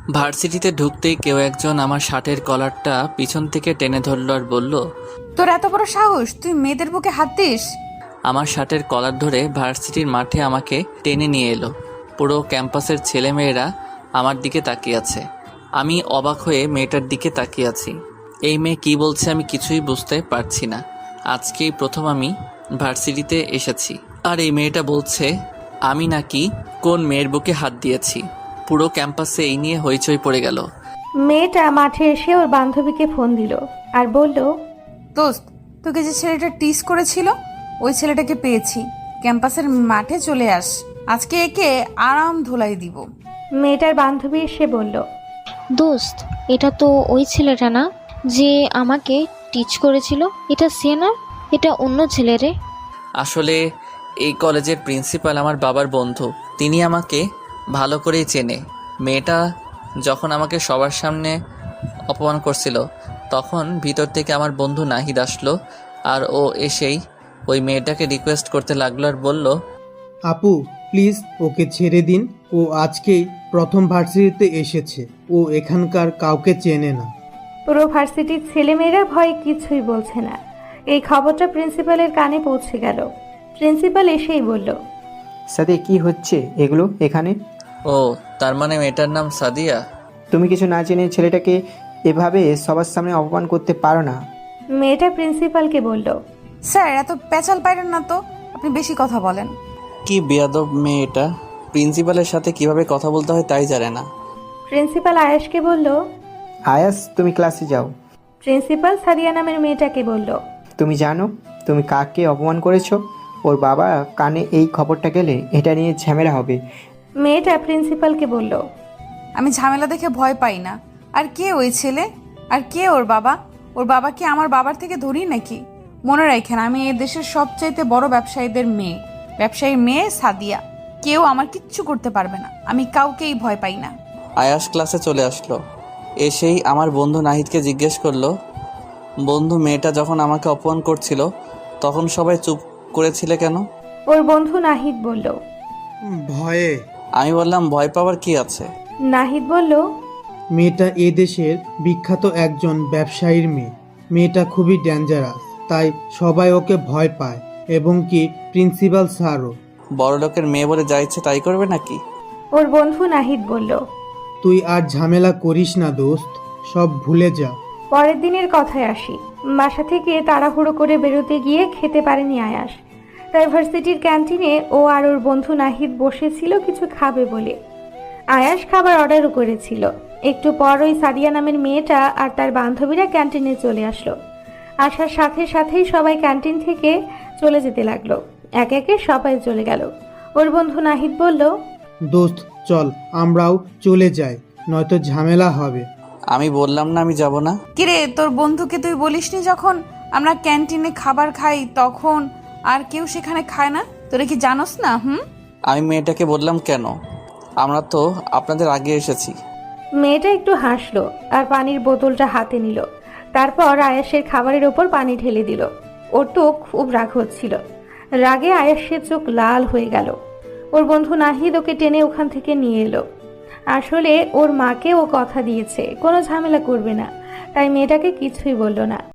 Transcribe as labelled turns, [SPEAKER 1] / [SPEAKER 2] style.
[SPEAKER 1] ভার্সিটিতে ঢুকতেই কেউ একজন আমার শার্টের কলারটা পিছন থেকে টেনে ধরল আর বলল,
[SPEAKER 2] তোর এত বড় সাহস, তুই মেয়েদের বুকে হাত দিস?
[SPEAKER 1] আমার শার্টের কলার ধরে ভার্সিটির মাঠে আমাকে টেনে নিয়ে এলো। পুরো ক্যাম্পাসের ছেলেমেয়েরা আমার দিকে তাকিয়ে আছে। আমি অবাক হয়ে মেয়েটার দিকে তাকিয়ে আছি। এই মেয়ে কী বলছে আমি কিছুই বুঝতে পারছি না। আজকেই প্রথম আমি ভার্সিটিতে এসেছি, আর এই মেয়েটা বলছে আমি নাকি কোন মেয়ের বুকে হাত দিয়েছি। পুরো ক্যাম্পাসে এই নিয়ে হইচই পড়ে গেল।
[SPEAKER 3] মেয়েটা মাঠে এসে ওর বান্ধবীকে ফোন দিল আর বলল,
[SPEAKER 2] দোস্ত, তোকে যে ছেলেটা টিস করেছিল ওই ছেলেটাকে পেয়েছি। ক্যাম্পাসের মাঠে চলে আস, আজকে একে আরাম ধোলাই দিব।
[SPEAKER 3] মেয়েটার বান্ধবী এসে বলল,
[SPEAKER 4] দোস্ত, এটা তো ওই ছেলেটা না যে আমাকে টিচ করেছিল? এটা সে না, এটা অন্য ছেলে রে।
[SPEAKER 1] আসলে এই কলেজের প্রিন্সিপাল আমার বাবার বন্ধু। তিনি আমাকে ভালো করেই চেনে। মেয়েটা যখন আমাকে সবার সামনে অপমান করছিল তখন ভিতর থেকে আমার বন্ধু নাহিদ আসলো, আর ও এসেই ওই মেয়েটাকে রিকোয়েস্ট করতে লাগলো আর বলল,
[SPEAKER 5] আপু প্লিজ ওকে ছেড়ে দিন, ও আজকেই প্রথম ভার্সিটিতে এসেছে, ও এখানকার কাউকে চেনে না।
[SPEAKER 3] পুরো ভার্সিটির ছেলেমেয়েরা ভয়ে কিছুই বলছে না। এই খবরটা প্রিন্সিপালের কানে পৌঁছে গেল। প্রিন্সিপাল এসেই বলল,
[SPEAKER 6] সাথে কি হচ্ছে এগুলো এখানে?
[SPEAKER 1] ও তার মানে মেয়েটার নাম সাদিয়া।
[SPEAKER 6] তুমি কিছু না জেনে ছেলেটাকে এভাবে সবার সামনে অপমান করতে পারো না।
[SPEAKER 3] মেয়েটা প্রিন্সিপালকে বলল,
[SPEAKER 2] স্যার, এত পেঁচাল পাইরেন না তো, আপনি বেশি কথা বলেন।
[SPEAKER 1] কি বেয়াদব মেয়ে এটা, প্রিন্সিপালের সাথে কিভাবে কথা বলতে হয় তাই জানে না।
[SPEAKER 3] প্রিন্সিপাল আয়াসকে বলল।
[SPEAKER 6] আয়াস, তুমি ক্লাসে যাও।
[SPEAKER 3] প্রিন্সিপাল সাদিয়া নামের মেয়েটাকে বলল,
[SPEAKER 6] তুমি জানো তুমি কাকে অপমান করেছো? ওর বাবা কানে এই খবরটা গেলে এটা নিয়ে ঝামেলা হবে।
[SPEAKER 3] মেয়েটা প্রিন্সিপালকে বলল,
[SPEAKER 2] আমি ঝামেলা দেখে ভয় পাই না। আর কে ওই ছেলে? আর কে ওর বাবা? ওর বাবা কি আমার বাবার থেকে ধরি নাকি? মনে রাখেন, আমি এই দেশের সবচাইতে বড় ব্যবসায়ীদের মেয়ে, ব্যবসায়ীর মেয়ে সাদিয়া। কেউ আমার কিচ্ছু করতে পারবে না, আমি কাউকেই ভয় পাই না।
[SPEAKER 1] আয়াস ক্লাসে চলে আসলো। এসেই আমার বন্ধু নাহিদকে জিজ্ঞেস করলো, বন্ধু, মেয়েটা যখন আমাকে অপমান করছিল তখন সবাই চুপ করেছিলে কেন?
[SPEAKER 3] ওর বন্ধু নাহিদ বলল।
[SPEAKER 5] ভয়ে।
[SPEAKER 1] আমি বললাম, ভয় পাওয়ার কি আছে?
[SPEAKER 3] নাহিদ বলল,
[SPEAKER 5] মেয়েটা এ দেশের বিখ্যাত একজন ব্যবসায়ীর মেয়ে। মেয়েটা খুবই ডেঞ্জারাস, তাই সবাই ওকে ভয় পায়, এবং কি প্রিন্সিপাল স্যারও।
[SPEAKER 1] বড় লোকের মেয়ে বলে যা ইচ্ছে তাই করবে নাকি?
[SPEAKER 3] ওর বন্ধু নাহিদ বলল।
[SPEAKER 5] তুই আর ঝামেলা করিস না দোস্ত, সব ভুলে যা।
[SPEAKER 3] পরের দিনের কথায় আসি। বাসা থেকে তাড়াহুড়ো করে বেরোতে গিয়ে খেতে পারেনি আয়াস। তাই ভার্সিটির ক্যান্টিনে ও আর ওর বন্ধু নাহিদ বসেছিল কিছু খাবে বলে। আয়াস খাবার অর্ডারও করেছিল। একটু পর ওই সাদিয়া নামের মেয়েটা আর তার বান্ধবীরা ক্যান্টিনে চলে আসলো। আসার সাথে সাথেই সবাই ক্যান্টিন থেকে চলে যেতে লাগলো। একে একে সবাই চলে গেল। ওর বন্ধু নাহিদ বলল,
[SPEAKER 5] দোস্ত চল আমরাও চলে যাই, নয়তো ঝামেলা হবে।
[SPEAKER 1] আমি বললাম না আমি যাব না।
[SPEAKER 2] কিরে, তোর বন্ধুকে তুই বলিসনি যখন আমরা ক্যান্টিনে খাবার খাই তখন আর কেউ সেখানে খায় না? তোরা কি জানোস না?
[SPEAKER 1] আমি মেয়েটাকে বললাম কেন, আমরা তো আপনাদের আগে এসেছি।
[SPEAKER 3] মেয়েটা একটু হাসলো আর পানির বোতলটা হাতে নিল। তারপর আয়াসের খাবারের ওপর পানি ঢেলে দিল। ওর তো খুব রাগ হচ্ছিল। রাগে আয়াসের চোখ লাল হয়ে গেল। ওর বন্ধু নাহিদ ওকে টেনে ওখান থেকে নিয়ে এলো। আসলে ওর মাকে ও কথা দিয়েছে কোনো ঝামেলা করবে না, তাই মেয়েটাকে কিছুই বলল না।